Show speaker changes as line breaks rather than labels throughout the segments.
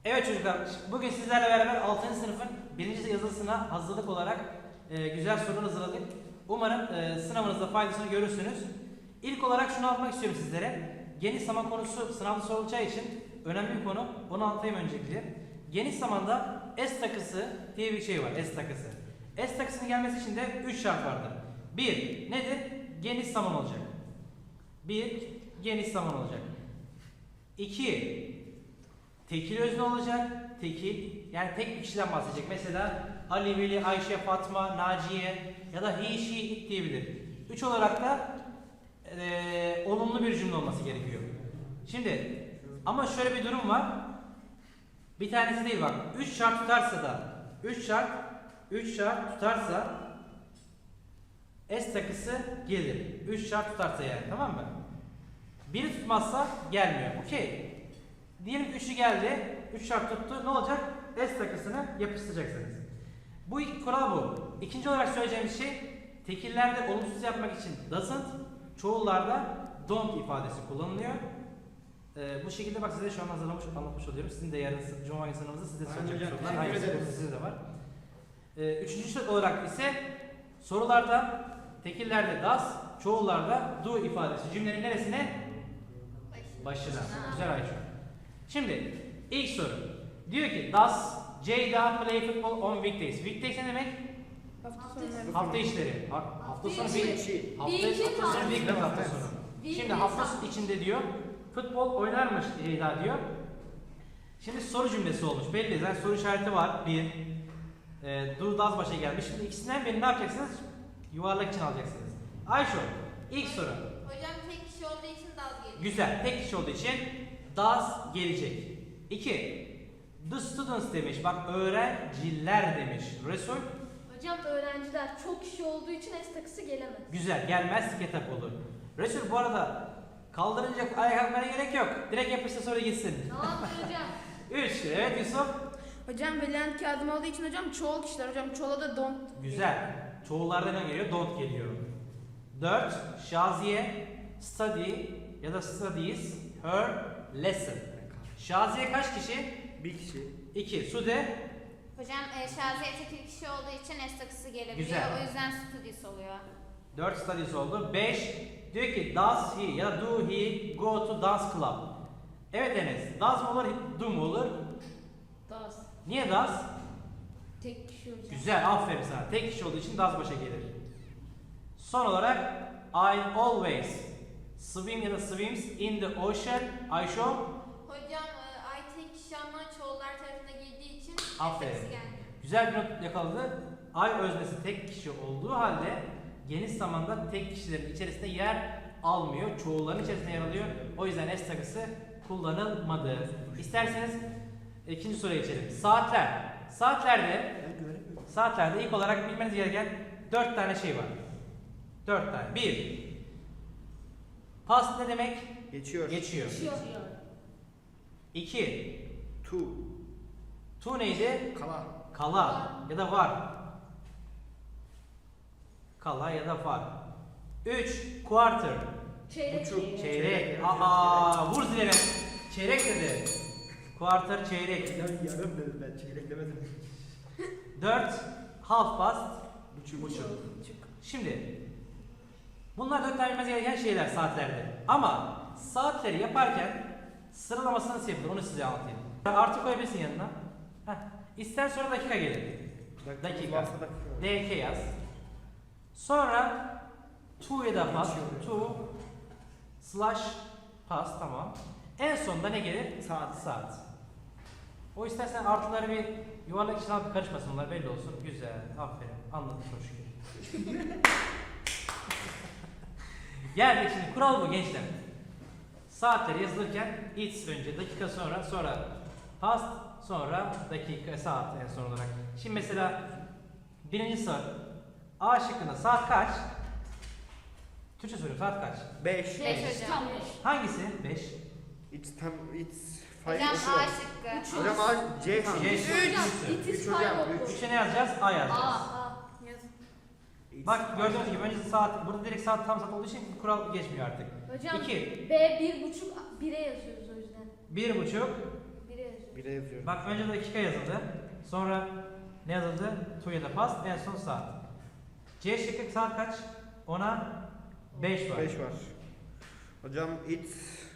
Evet çocuklar, bugün sizlerle beraber 6. sınıfın 1. yazılısına hazırlık olarak güzel sorular hazırladık. Umarım sınavınızda faydasını görürsünüz. İlk olarak şunu anlatmak istiyorum sizlere. Geniş zaman konusu sınavda sorulacağı için önemli bir konu. Onu anlatayım öncelikle. Geniş zamanda S takısı diye bir şey var. S takısı. S takısının gelmesi için de 3 şart vardır. 1. Nedir? Geniş zaman olacak. 1. Geniş zaman olacak. 2. Tekil özne olacak. Tekil. Yani tek bir kişiden bahsedecek. Mesela Ali, Veli, Ayşe, Fatma, Naciye ya da he, she, it diyebilir. 3 olarak da olumlu bir cümle olması gerekiyor. Şimdi ama şöyle bir durum var. Bir tanesi değil bak. 3 şart tutarsa da 3 şart tutarsa S takısı gelir. 3 şart tutarsa yani, tamam mı? Biri tutmazsa gelmiyor. Okey. Diyelim ki 3'ü geldi. 3 şart tuttu. Ne olacak? S takısını yapıştıracaksınız. Bu ilk kural bu. İkinci olarak söyleyeceğimiz şey, tekillerde olumsuz yapmak için doesn't, çoğullarda don't ifadesi kullanılıyor. Bu şekilde bak size şu an anlatmış oluyorum. Sizin de yarın Cuma günü sınavınızda size soracak sorular. Aynısı sizde de var. Üçüncü olarak ise sorularda tekillerde does, çoğullarda do ifadesi cümlenin neresine? Başına. Güzel Ayşe. Şimdi ilk soru. Diyor ki does Ceyda play football on weekdays? Weekdays ne demek? Hafta işleri. Hafta sonu hafta sonu. Şimdi hafta içinde diyor futbol oynarmış Ceyda diyor. Şimdi soru cümlesi olmuş. Belli zaten soru işareti var. Bir. Do does başa gelmiş. Şimdi ikisinden birini ne yapacaksınız? Yuvarlak için alacaksınız. Ayşe ilk soru.
Hocam tek kişi olduğu için does gelecek.
Güzel. Tek kişi olduğu için does gelecek. 2. The students demiş. Bak öğrenciler demiş. Resul.
Hocam öğrenciler çok kişi olduğu için S takısı gelemez.
Güzel. Gelmez kitap olur. Resul bu arada kaldırınca ayağa kalkmana gerek yok. Direkt yapıştı sonra gitsin.
Tamam hocam.
3. Evet Yusuf.
Hocam verilen kağıdım olduğu için hocam çoğul kişiler. Hocam çoğula da don't.
Güzel. Çoğullarda ne geliyor? Don't geliyor. 4. Şaziye study ya da studies her lesson. Şaziye kaç kişi?
Bir kişi.
2. Sude.
Hocam Şaziye tekil kişi olduğu için S takısı gelebiliyor.
Güzel.
O yüzden studies oluyor.
4 studies oldu. 5. Diyor ki does he ya da do he go to dance club? Evet Enes. Does mı olur? Do mu olur?
Does.
Niye does?
Tek kişi hocam.
Güzel. Aferin sana. Tek kişi olduğu için does başa gelir. Son olarak I always swim ya da swims in the ocean. Ayşe.
Hocam ay tek kişi ama çoğullar tarafına girdiği için S
Aferin.
takısı gelmiyor.
Güzel bir not yakaladı. I öznesi tek kişi olduğu halde geniş zamanda tek kişilerin içerisinde yer almıyor. Çoğulların içerisinde yer alıyor. O yüzden S takısı kullanılmadı. İsterseniz ikinci soruya geçelim. Saatler. Saatlerde ilk olarak bilmeniz gereken 4 tane şey var. 4 tane. 1. Past ne demek?
Geçiyor.
Geçiyor.
Geçiyor.
2.
To.
To neydi?
Kala.
Kala ya da var. Kala ya da var. 3. Quarter.
Çeyrek.
Buçuk.
Çeyrek.
Çeyrek.
Vur zileme. Çeyrek dedi. Quarter çeyrek.
Yarım dedim ben, çeyrek demedim.
4. Half past.
Buçuk.
Şimdi bunlar 4 tane bilmeniz gereken şeyler saatlerde. Ama saatleri yaparken sıralamasını nasıl yapılır onu size anlatayım. Artı koyabilirsin yanına. Heh. İster sonra dakika gelir. Dakika. DK yaz. Sonra to ya da past. To slash past, tamam. En sonunda ne gelir? Saat. O istersen artıları bir yuvarlak içine alıp karışmasın, onlar belli olsun. Güzel. Aferin. Anladım çok şükür. Geldik şimdi. Kural bu gençler. Saatleri yazılırken it's önce, dakika sonra past, sonra dakika, saat en son olarak. Şimdi mesela birinci soru. A şıkkında saat kaç? Türkçe soruyorum, saat kaç?
5.
5 hocam.
Tam 5.
Hangisi? 5.
It's
Hocam A
5.
şıkkı.
Hocam A, C hangi?
C.
Hocam
Üç.
it is
Üç hocam,
five
üç.
oldu.
3'e ne yazacağız? A yazacağız.
Aa. Yaz.
Bak gördüğünüz gibi önce saat, burada direkt saat tam saat olduğu için kural geçmiyor artık.
Hocam
2.
B 1,5 1'e yazıyoruz o yüzden.
1,5.
1'e yazıyoruz.
1'e yazıyorum.
Bak önce dakika yazıldı. Sonra ne yazıldı? To ya da past. En son saat. C şıkkı saat kaç? Ona 5 var.
5 var. Hocam it's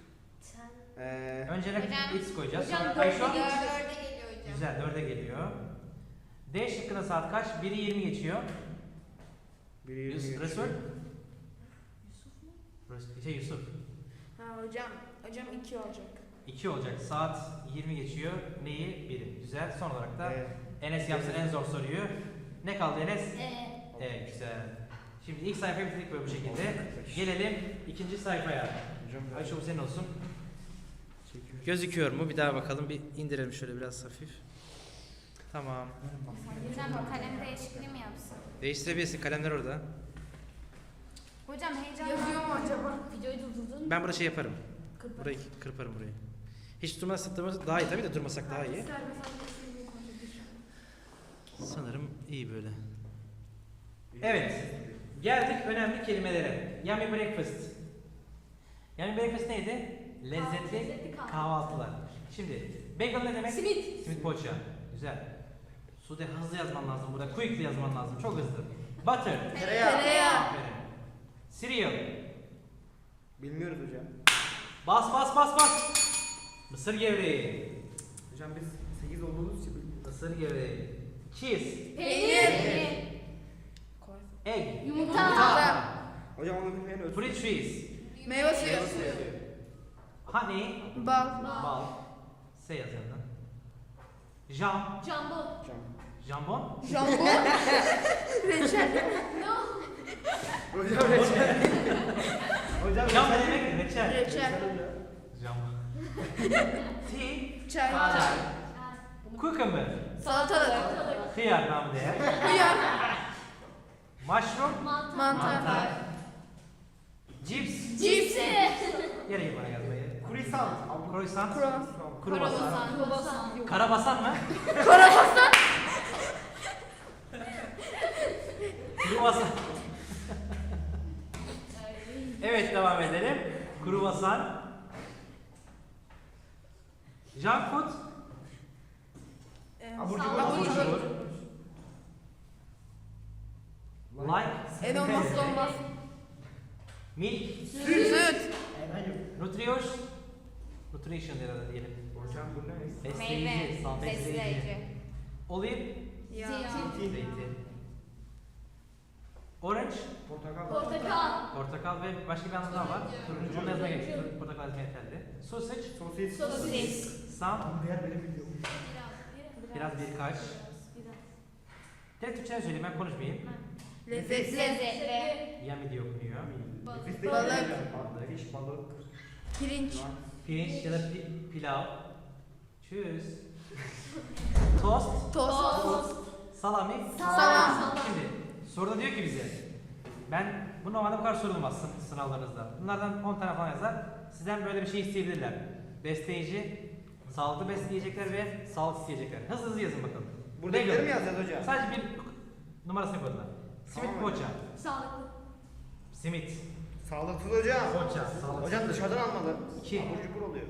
Önce
Hocam-
x koyacağız.
hocam
Sonra
dörde
ay şu an-
geçiyor.
4'e geliyor hocam.
Güzel 4'e geliyor. D şıkkında saat kaç? 1'i 20 geçiyor.
1'e
Yusuf
20
Resul.
geçiyor.
Yusuf.
Ha hocam 2 olacak.
2 olacak. Saat 20 geçiyor. Neyi? 1'i. Güzel. Son olarak da
Ee,
Enes yapsın en zor soruyu. Ne kaldı Enes?
Evet.
Güzel. Şimdi ilk sayfayı bitirdik böyle bu şekilde. Gelelim ikinci sayfaya.
Hocam
Ayşe bu senin olsun.
çekiyor.
Gözüküyor mu? Bir daha bakalım. Bir indirelim şöyle biraz hafif. Tamam.
Hocam kalem değişikliği mi yapsın?
Değiştirebilirsin. Kalemler orada.
Hocam heyecan
Yazıyor mu acaba?
Videoyu durdurdun.
Ben burada şey yaparım. Burayı kırparım burayı. Hiç durmasak daha iyi tabii de durmasak daha iyi. Sanırım iyi böyle. Evet. Geldik önemli kelimelere. Yummy breakfast. Yummy breakfast neydi? Lezzetli
Lezzetli
kahvaltılar. Şimdi bagel ne demek?
Simit.
Simit poğaça. Güzel. Sude hızlı yazman lazım burada. Quickly yazman lazım. Çok hızlı. Butter.
Tereyağı.
Aferin. Cereal.
Bilmiyoruz hocam.
Bas. Mısır gevreği.
Hocam biz 8 olduğumuz için bilmiyoruz.
Mısır gevreği. Cheese.
Peynir.
Egg.
Yumurta.
Hocam onu bilmeyen ölsün.
Fruit trees.
Meyve suyu.
Honey.
Bal.
Bal. S yaz yanına. Jam.
Jambon.
Hocam.
Jambon.
Jambon. Reçel.
Hocam reçel. Hocam
Jam ne
reçel.
demek? Reçel.
Reçel.
Jambon. Tea.
Çay.
Çay. Cucumber.
Salatalık.
Hıyar namı değer.
Hıyar.
Mushroom.
Mantar.
Cips.
Cipsi.
Gerek bana yazmayı.
Croissant.
Croissant.
Kruvasan.
Kruvasan.
Kruvasan.
Karabasan mı?
Karabasan.
Kruvasan. Evet devam edelim. Kruvasan. Junk food.
Abur cubur.
Abur cubur.
Like.
En olmazsa olmaz.
Milk.
Süt.
Nutrition diyelim.
Hocam bu ne?
Besleyici.
meyve,
Besleyici.
besleyici.
Olive.
Ya.
Zeytin. Orange.
Portakal.
Portakal.
Portakal ve başka bir anlamı daha var. Turuncu. Onu yazmaya gerek yok. Portakal yazmaya yeterli. Sausage.
Sosis.
Sosis.
Some.
Diğer benim bildiğim.
Biraz birkaç. Tek Türkçe söyleyeyim ben konuşmayayım.
Lezzetli.
Lezzetli.
Yummy diye okunuyor.
Nefis değil.
Balık.
Balık. Fiş, balık.
Pirinç.
Pirinç ya da pilav. Tschüss. Tost.
Tost.
Salami.
Salam.
Şimdi soruda diyor ki bize ben bu normalde bu kadar sorulmaz sınavlarınızda. Bunlardan 10 tane falan yazar. Sizden böyle bir şey isteyebilirler. Besleyici, sağlıklı besleyecekler ve sağlık isteyecekler. Hızlı yazın bakalım.
Buradakileri mi yazacağız hocam?
Sadece bir numarasını koydular. Simit
Tamam.
poğaça.
Sağlıklı.
Simit.
Sağlıksız hocam.
Poğaça. Sağlıksız.
Hocam dışarıdan almalı.
2.
Abur cubur oluyor.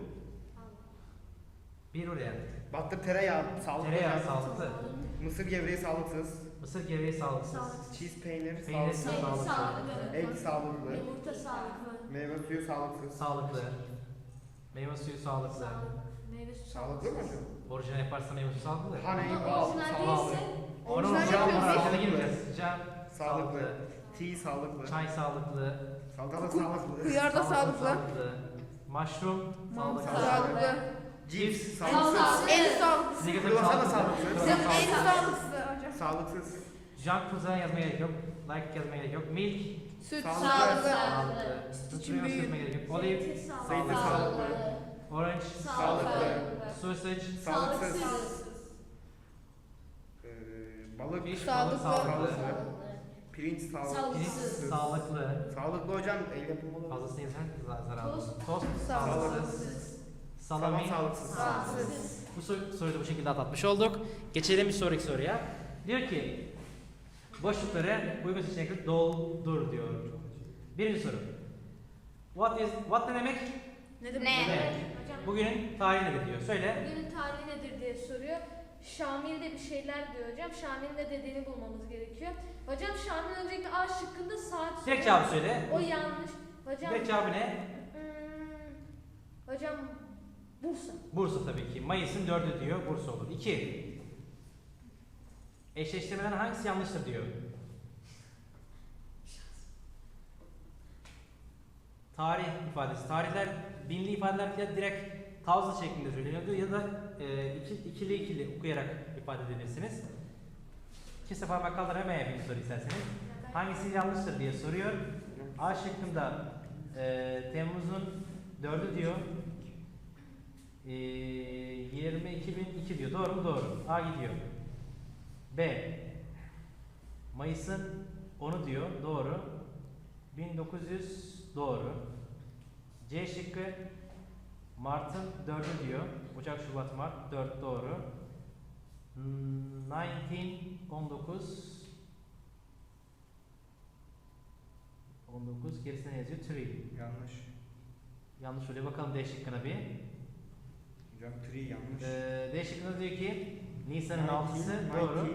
1 oraya.
Baktır tereyağı. Sağlıklı.
Tereyağı
hocam.
sağlıklı.
Mısır gevreği sağlıksız.
Mısır gevreği sağlıksız.
Cheese peynir
Peynir
sağlıksız.
sağlıklı.
Egg sağlıklı.
Yumurta sağlıklı.
Meyve suyu sağlıksız.
Sağlıklı. Meyve suyu sağlıklı.
Meyve suyu
Sağlıklı mı hocam?
Orijinal yaparsa meyve suyu sağlıklı.
Honey,
Ama
bal,
orijinal
sağlıklı.
değilse
Onun
Orijinal
cam
yapıyoruz.
orijinale girmeyeceğiz. Cam
Sağlıklı. Tea sağlıklı.
Çay sağlıklı.
Salatalık sağlıklı.
Hıyar da sağlıklı.
Mushroom sağlıklı.
Sağlıklı.
Cips
en
sağlıksız.
sağlıklı.
En sağlıklı.
Size götürüp
Kruvasan da
sağlıklı.
sağlıksız.
Bizim en sağlıklısı hocam.
Sağlıksız.
Junk food'a yazmaya gerek yok. Like yazmaya gerek yok. Milk
Süt.
Sağlıklı.
Sağlıklı.
sağlıklı.
için
Nutrients
büyük.
yazmaya gerek yok. Olive
Zeytin
Zeytin sağlıklı.
orange
Sağlıklı.
sausage
Sağlıksız.
Sağlıksız.
Balık.
fish
Sağlıklı.
balık sağlıklı.
Pirinç sağlıklı.
Pirinç
Sağlıksız.
sağlıklı.
Sağlıklı hocam. El yapımı.
Fazlasını yesen zararlı.
Tost.
Tost
Sağlıksız.
sağlıksız. Salami
Salam sağlıksız.
Sağlıksız.
Bu soruyu da bu şekilde atlatmış olduk. Geçelim bir sonraki soruya. Diyor ki boşlukları uygun seçenekle doldur diyor. Birinci soru. What ne demek?
Ne demek?
Ne?
Evet.
Hocam
Bugünün tarihi nedir diyor. Söyle.
bugünün tarihi nedir diye soruyor. Şamil de bir şeyler diyor hocam. Şamil'in ne dediğini bulmamız gerekiyor. Hocam Şamil öncelikle A şıkkında saat
Direkt
soruyor.
cevabı söyle.
O yanlış. Hocam
Direkt cevabı ne?
hocam Bursa.
Bursa tabii ki. Mayıs'ın 4'ü diyor. Bursa olur. 2. Eşleştirmeden hangisi yanlıştır diyor. Tarih ifadesi. Tarihler binli ifadeler ya direkt tavsiye şeklinde söyleniyordu ya da ikili okuyarak ifade edebilirsiniz. İki parmak kaldır hemen yapayım soru isterseniz. Hangisi yanlıştır diye soruyor. A şıkkında Temmuz'un 4'ü diyor. 20.002 diyor. Doğru mu? Doğru. A gidiyor. B. Mayıs'ın 10'u diyor. Doğru. 1900 doğru. C şıkkı Mart'ın 4'ü diyor. Ocak, Şubat, Mart 4 doğru. 19 gerisine yazıyor. 3.
Yanlış.
Yanlış oluyor. Bakalım D şıkkına bir.
Hocam 3 yanlış.
D şıkkında diyor ki Nisan'ın 6'sı doğru.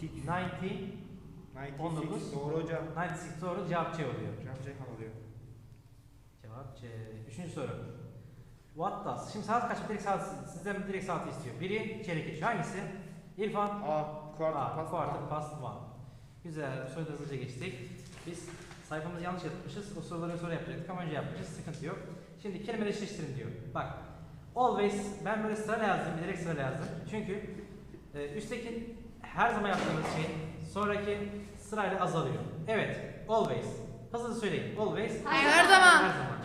19
doğru hocam.
96 doğru. Cevap C oluyor.
Hocam Ceyhan oluyor.
Cevap C. Üçüncü soru. What does? Şimdi saat kaç? Sizden direkt saati istiyor. Biri çeyrek geçiyor. Hangisi? İrfan.
A.
Quarter past one. Güzel. Bu soruda hızlıca geçtik. Biz sayfamızı yanlış yapmışız. O soruları sonra yapacaktık ama önce yapmışız. Sıkıntı yok. Şimdi kelimeleri eşleştirin diyor. Bak. Always. Ben böyle sırayla yazdım. Bilerek sırayla yazdım. Çünkü üstteki her zaman yaptığımız şey sonraki sırayla azalıyor. Evet. Always. Hızlı söyleyin. Always.
Her zaman.
Her zaman.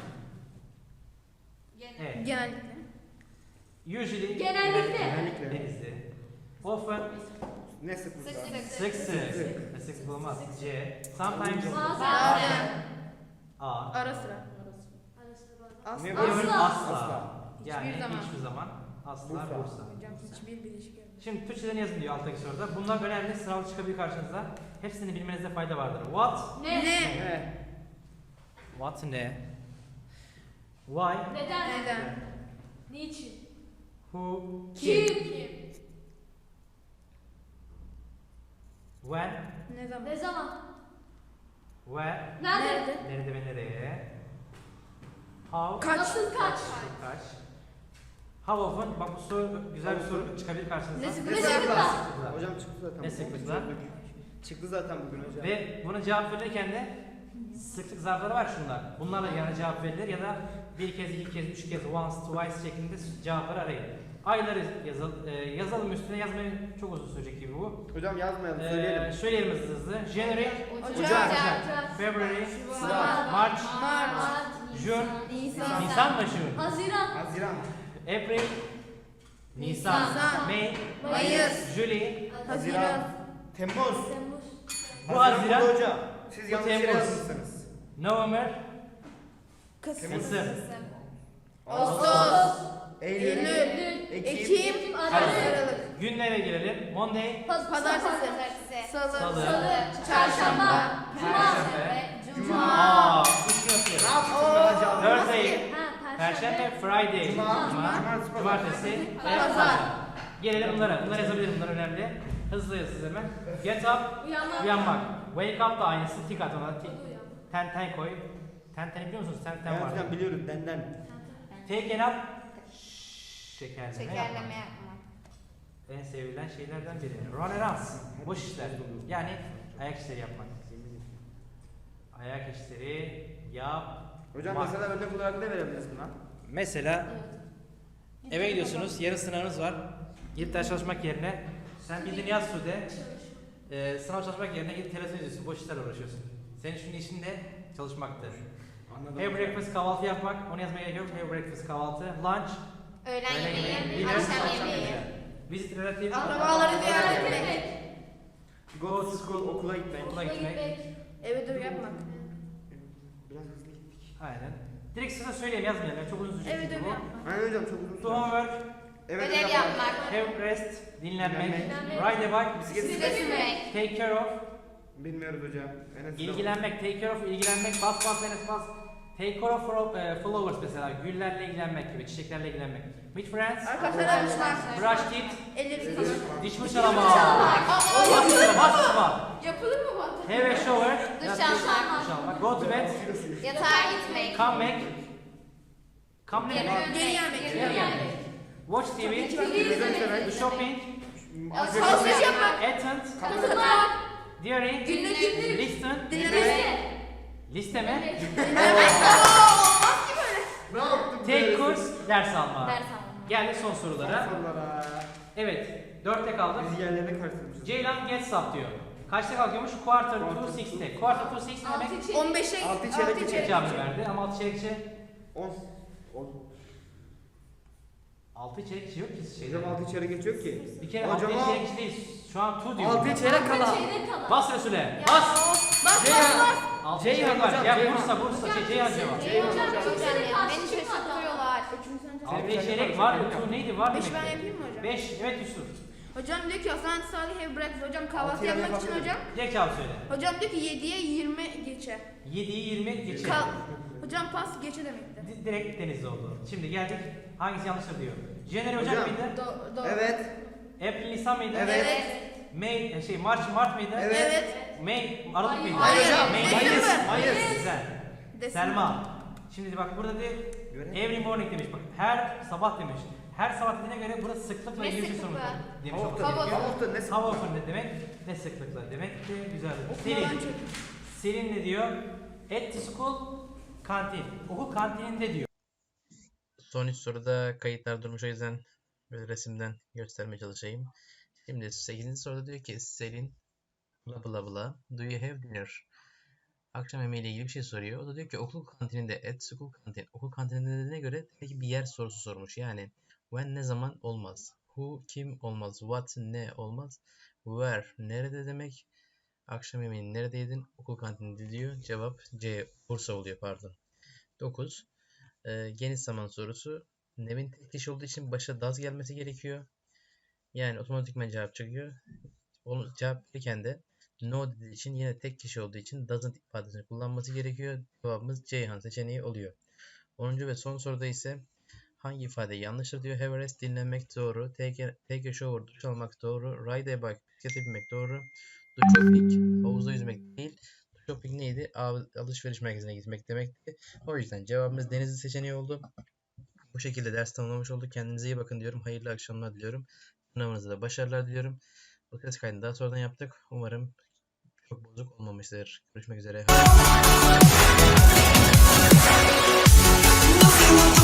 Evet.
Genellikle.
Usually.
Genellikle.
Denizli. Often.
Ne sıklıkla?
Sık sık. Sık olmaz. C. Sometimes.
Bazen.
A.
Ara sıra.
Arası
Ne
bazen.
var?
Never
Asla.
asla. Yani
Hiçbir zaman.
hiçbir zaman. Asla
Bursa.
Bursa.
Hocam hiçbir bileşik yok.
Şimdi Türkçeden yazın diyor alttaki soruda. Bunlar önemli. Sıralı çıkabilir karşınıza. Hepsini bilmenizde fayda vardır. What?
Ne?
Ne?
What ne? Why?
Neden?
Neden?
Niçin?
Who?
Kim?
When?
Ne zaman?
Ne zaman?
Where?
Nerede?
Nerede ve nereye? How?
Kaç?
Nasıl kaç?
Kaç? How often? Bak bu soru güzel bir soru çıkabilir karşınıza.
Ne
Ne
sıklıkla?
sıklıkla?
Sıklıkla.
Hocam çıktı zaten.
Ne sıklıkla?
Çıktı zaten bugün hocam.
Ve buna cevap verirken de sıklık zarfları var şunlar. Bunlarla yani cevap verilir ya da bir kez, iki kez, üç kez, once, twice şeklinde cevapları arayın. Ayları yazalım üstüne yazmayı çok uzun sürecek gibi bu.
Hocam yazmayalım söyleyelim.
Söyleyelim hızlı. January,
Ocak.
February,
Şubat.
March,
Mart.
June,
Nisan.
Nisan mı June?
Haziran.
Haziran.
April, Nisan,
Nisan.
May,
Mayıs.
July,
Haziran.
Temmuz.
Temmuz.
Bu Haziran,
oldu hocam. Siz
bu
yanlış yere
Temmuz.
yazmışsınız.
November,
Kasım.
Kasım,
Ağustos.
Eylül.
Eylül.
Ekim.
Ekim.
Aralık.
Aralık.
Günlere gelelim. Monday,
Pazartesi. Salı.
Salı,
Çarşamba.
Perşembe,
Cuma.
üç gün atıyor.
Ne yapıyorsun hocam?
Thursday,
Ha,
Perşembe, Friday,
Cuma,
Cumartesi ve
Pazar.
Pazar. Gelelim bunlara. Bunları yazabilirim. Bunlar önemli. Hızlı yazın hemen. Get up, uyanmak. Wake up da aynısı. Tik at ona. Ten koy. Ten biliyor musunuz? Ten
Evet
var.
hocam biliyoruz denden.
Take an up. Şekerleme
Şekerleme
yapmak.
yapma.
En sevilen şeylerden biri. Run errands. Boş işler. Yani ayak işleri yapmak. Ayak işleri yap.
Hocam
Bak.
mesela örnek olarak ne verebilirsin lan?
Mesela eve gidiyorsunuz, yarın sınavınız var. Gidip ders çalışmak yerine sen bildiğin yaz Sude, sınav çalışmak yerine gidip televizyon izliyorsun, boş işlerle uğraşıyorsun. Senin şunun işin de çalışmaktır.
Anladım.
Have breakfast kahvaltı yapmak, onu yazmaya gerek yok. Have breakfast kahvaltı, lunch,
Öğlen
öğle
yemeği,
dinner,
akşam yemeği.
visit relative,
Akrabaları ziyaret etmek.
Go to school, okula gitmek.
okula gitmek.
Eve dur yapmak.
Biraz hızlı gittik.
Aynen. Direkt size söyleyeyim yazmayalım, yani çok uzun sürecek
Eve
çünkü
dur
bu.
yapmak.
Aynen hocam çok uzun
To homework,
Evet
Ödev yapmak.
have rest, dinlenmek,
Dinlenmek.
ride a bike,
Bisiklet
Bisiklet sürmek.
take care of,
Bilmiyoruz hocam. Enes
ilgilenmek, take care of, ilgilenmek, bas, enes bas, Take care of flowers mesela, güllerle ilgilenmek gibi, çiçeklerle ilgilenmek. With friends,
Arkadaşlar
brush teeth,
ellerimizi falan.
diş fırçalama. Basma.
Yapılır mı bu?
Have a shower,
Duş almak.
duş almak. Go to bed,
Yatağa gitmek.
come back, come
Geri
back,
dönmek.
Geri gelmek.
geri gelmek. Watch TV, shopping,
Alışveriş yapmak.
attend, diary,
Günlük
listen,
dinlemek.
liste mi?
Ne yaptın?
Take course, ders alma.
Ders almak.
Geldik son sorulara.
Sorulara.
Evet, 4'te kaldık.
Biz yerlerine karıştırmışız.
Ceylan gets up diyor. Kaçta kalkıyormuş? Quarter to 6'te. Quarter to 6 ne demek?
15'e
Altı çeyrek geçecek.
Cevabı verdi ama 6 çeyrekçe
10.
6 çeyrekçe yok ki şeyde.
Hocam 6 çeyrek geçiyor ki.
Bir kere
Hocam
6
o-
çeyrekçe değil. Şu an 2 diyor.
6 çeyrek kala.
Bas Resul'e. Bas.
Ceyhan.
6
Ceyhan
çeyrek var.
hocam,
Ya
Ceyhan.
Bursa. Ceyhan cevap.
Hocam ya beni şaşırtıyorlar.
6 çeyrek var mı? 2 neydi? Var
5 ben
demek ki.
yapayım mı hocam?
5. Evet Yusuf.
Hocam diyor ki Hasan Salih ev bıraktı. Hocam kahvaltı
Altı
yapmak
yapabilirim.
için hocam.
Direkt cevap söyle.
Hocam diyor ki 7'ye 20 geçe.
7'yi 20 geçe.
Hocam pas geçe demekti.
Direkt Denizli oldu. Şimdi geldik. Hangisi yanlıştır diyor. January Ocak
Hocam.
mıydı?
Doğru.
Evet.
April Nisan mıydı?
Evet.
May Mart mıydı?
Evet.
Evet.
May Aralık mıydı?
Hayır.
May
December.
Hayır.
Güzel.
December.
Selma. Şimdi bak burada de every morning demiş. Bak her sabah demiş. Her sabah dediğine göre burası sıklıkla
Ne
ilgili bir soru
sıklıkla?
demiş.
How
olması
often?
gerekiyor.
How often? Ne
How often ne demek? Ne sıklıkla demek de güzel.
Okumadan
Selin.
çok.
Selin ne diyor? At the school kantin. Okul kantininde diyor.
Son 3 soruda kayıtlar durmuş, o yüzden böyle resimden göstermeye çalışayım. Şimdi 8. soruda diyor ki Selin bla bla bla do you have dinner? Akşam yemeğiyle ilgili bir şey soruyor. O da diyor ki okul kantininde, at school kantin. Okul kantininde dediğine göre peki bir yer sorusu sormuş. Yani when ne zaman olmaz. Who kim olmaz. What ne olmaz. Where nerede demek. Akşam yemeğini nerede yedin? Okul kantininde diyor. Cevap C. Bursa oluyor, pardon. 9. Geniş zaman sorusu. Nevin tek kişi olduğu için başa does gelmesi gerekiyor. Yani otomatikman cevap çıkıyor. Onu cevap verirken de no dediği için yine tek kişi olduğu için doesn't ifadesini kullanması gerekiyor. Cevabımız Ceyhan seçeneği oluyor. 10. ve son soruda ise hangi ifade yanlıştır diyor. Have a rest dinlenmek doğru. Take a shower duş almak doğru. Ride a bike bisiklete binmek doğru. Do shopping havuzda yüzmek değil. Do shopping neydi? Alışveriş merkezine gitmek demekti. O yüzden cevabımız Denizli seçeneği oldu. Bu şekilde ders tamamlamış olduk. Kendinize iyi bakın diyorum. Hayırlı akşamlar diliyorum. Sınavınızda da başarılar diliyorum. Bu ses kaydını daha sonradan yaptık. Umarım çok bozuk olmamıştır. Görüşmek üzere.